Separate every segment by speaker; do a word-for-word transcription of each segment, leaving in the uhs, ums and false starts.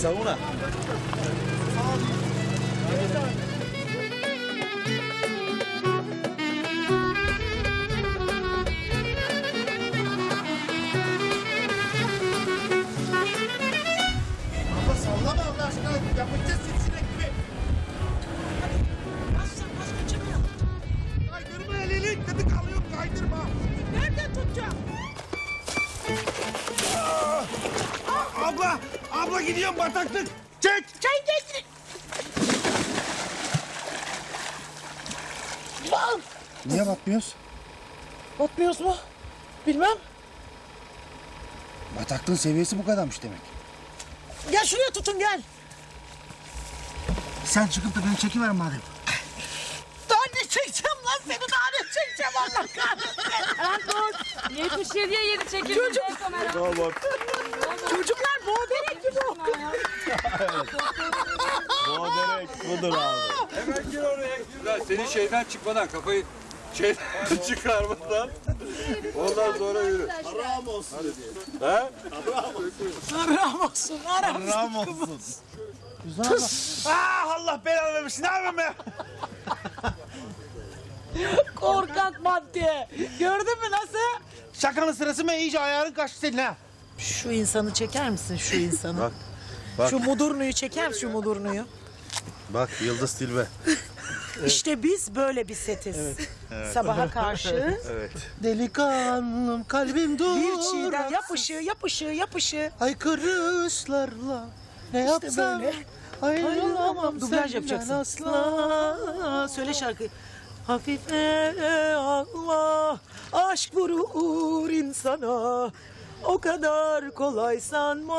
Speaker 1: Savuna.
Speaker 2: Abla sallama Allah aşkına. Yapacağız sivrisinek gibi.
Speaker 3: Basın bas kaçırıyor.
Speaker 2: Kaydırma elini. Dedi kalıyor kaydırma.
Speaker 3: Nereden tutacağım?
Speaker 2: Abla. Abla gidiyorum bataklık. Çek.
Speaker 3: Çay getir. Bal.
Speaker 2: Niye batmıyoruz?
Speaker 3: Batmıyoruz mu? Bilmem.
Speaker 2: Bataklığın seviyesi bu kadarmış demek.
Speaker 3: Gel şuraya tutun gel.
Speaker 2: Sen çıkıp da beni çekiver madem.
Speaker 3: Daha ne çekeceğim lan seni daha ne çekeceğim Allah kahretsin.
Speaker 4: yetmiş yediye yedi çekildi.
Speaker 3: Çocuk.
Speaker 4: Kamera.
Speaker 1: Tamam.
Speaker 3: Çocuklar boğaberek gibi okuyor.
Speaker 1: O direkt budur abi.
Speaker 5: Hemen gir oraya. Lan senin şeyden çıkmadan kafayı şeyden çıkarmadan ondan sonra yürü.
Speaker 1: Haram olsun diye.
Speaker 5: He?
Speaker 3: Aram olsun aram.
Speaker 1: Haram olsun.
Speaker 2: Ah Allah belanı vermesin. Ne yapayım ben?
Speaker 3: Korkak madde. Gördün mü nasıl?
Speaker 2: Şakanın sırası mı? İyice ayarın kaçtı senin ha.
Speaker 3: Şu insanı çeker misin şu insanı?
Speaker 1: Bak. Bak.
Speaker 3: Şu mudurnuyu çeker misin şu mudurnuyu?
Speaker 1: Bak Yıldız Tilbe.
Speaker 3: İşte biz böyle bir setiz. Sabaha karşı
Speaker 1: Evet.
Speaker 2: Delikanlım kalbim dur.
Speaker 3: bir çiğden yap ışığı yap ışığı yap ışığı.
Speaker 2: Haykırışlarla ne yapsam
Speaker 3: böyle.
Speaker 2: ayrılamam
Speaker 3: Dublaj
Speaker 2: senden
Speaker 3: yapacaksın.
Speaker 2: asla.
Speaker 3: Söyle şarkıyı. Hafife Allah aşk vurur insana. O kadar kolay sanma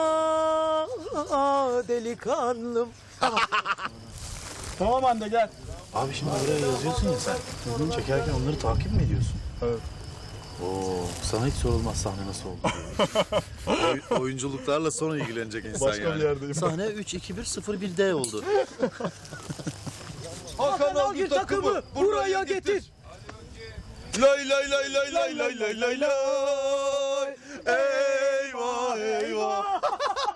Speaker 3: delikanlım.
Speaker 2: Tamam anne gel.
Speaker 6: Abi şimdi buraya yazıyorsun ya sen. Çekerken onları takip mi ediyorsun?
Speaker 2: Evet.
Speaker 6: Oo, sana hiç sorulmaz sahne nasıl oldu diye.
Speaker 1: Oy- oyunculuklarla sonra ilgilenecek insan
Speaker 6: Başka
Speaker 1: yani.
Speaker 6: bir yerdeyim.
Speaker 1: Sahne üç iki bir sıfır bir D oldu.
Speaker 2: Hakan
Speaker 3: Algül takımı buraya getir.
Speaker 1: Lay lay lay lay lay lay lay lay lay. Eyvah eyvah.